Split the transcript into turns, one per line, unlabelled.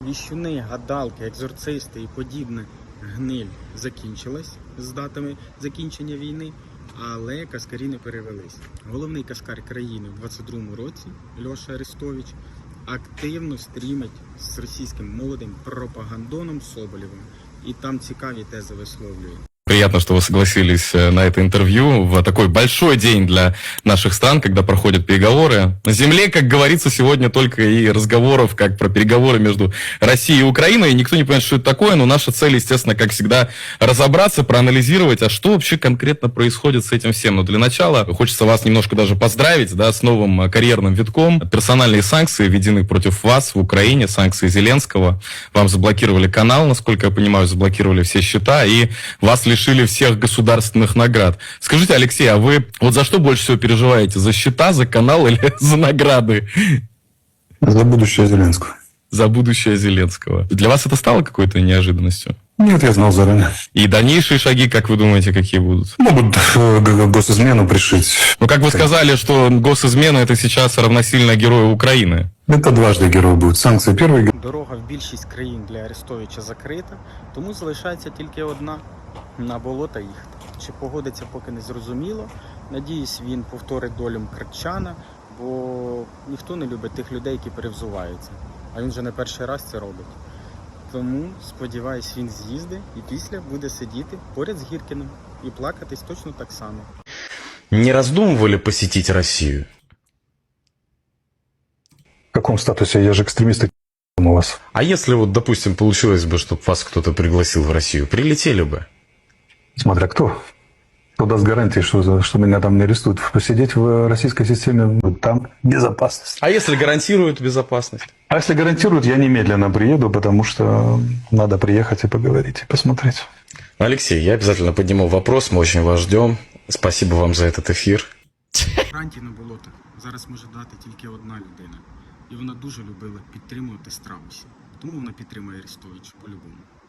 Віщуни, гадалки, екзорцисти і подібне гниль закінчилась з датами закінчення війни, але каскарі не перевелись. Головний каскар країни в 22-му році, Льоша Арестович, активно стрімить з російським молодим пропагандоном Соболєвим. І там цікаві тези висловлює.
Приятно, что вы согласились на это интервью в такой большой день для наших стран, когда проходят переговоры. На земле, как говорится, сегодня только и разговоров, как про переговоры между Россией и Украиной. И никто не понимает, что это такое, но наша цель, естественно, как всегда, разобраться, проанализировать, а что вообще конкретно происходит с этим всем. Но для начала хочется вас немножко даже поздравить, да, с новым карьерным витком. Персональные санкции введены против вас в Украине, санкции Зеленского. Вам заблокировали канал, насколько я понимаю, заблокировали все счета, и вас лишили всех государственных наград. Скажите, Алексей, а вы вот за что больше всего переживаете? За счета, за канал или за награды?
За будущее Зеленского.
За будущее Зеленского. Для вас это стало какой-то неожиданностью?
Нет, я знал заранее.
И дальнейшие шаги, как вы думаете, какие будут?
Могут госизмену пришить.
Ну, как вы сказали, что госизмена это сейчас равносильно герою Украины.
Это дважды герой будет. Санкции первый.
Дорога в більшість країн для Арестовича закрита, тому залишається тільки одна – на болота їхати. Чи погодиться, поки не зрозуміло. Надіюсь, він повторить долю Мкртчана, бо ніхто не любить тих людей, які перевзуваються. А він вже не перший раз це робить. Тому, сподіваюсь, він з'їздить і після буде сидіти поряд з Гіркіним і плакатись точно так само.
Не раздумывали посетить Россию?
В каком статусе? Я же экстремист у вас.
А если вот, допустим, получилось бы, чтобы вас кто-то пригласил в Россию, прилетели бы?
Смотря кто. Кто даст гарантии, что меня там не арестуют. Посидеть в российской системе, там безопасность.
А если гарантируют безопасность?
А если гарантируют, я немедленно приеду, потому что надо приехать и поговорить, и посмотреть.
Алексей, я обязательно подниму вопрос, мы очень вас ждем. Спасибо вам за этот эфир.
Гарантій на болотах зараз може дати тільки одна людина. І вона дуже любила підтримувати страусів. Тому вона підтримує Арестовича по-любому.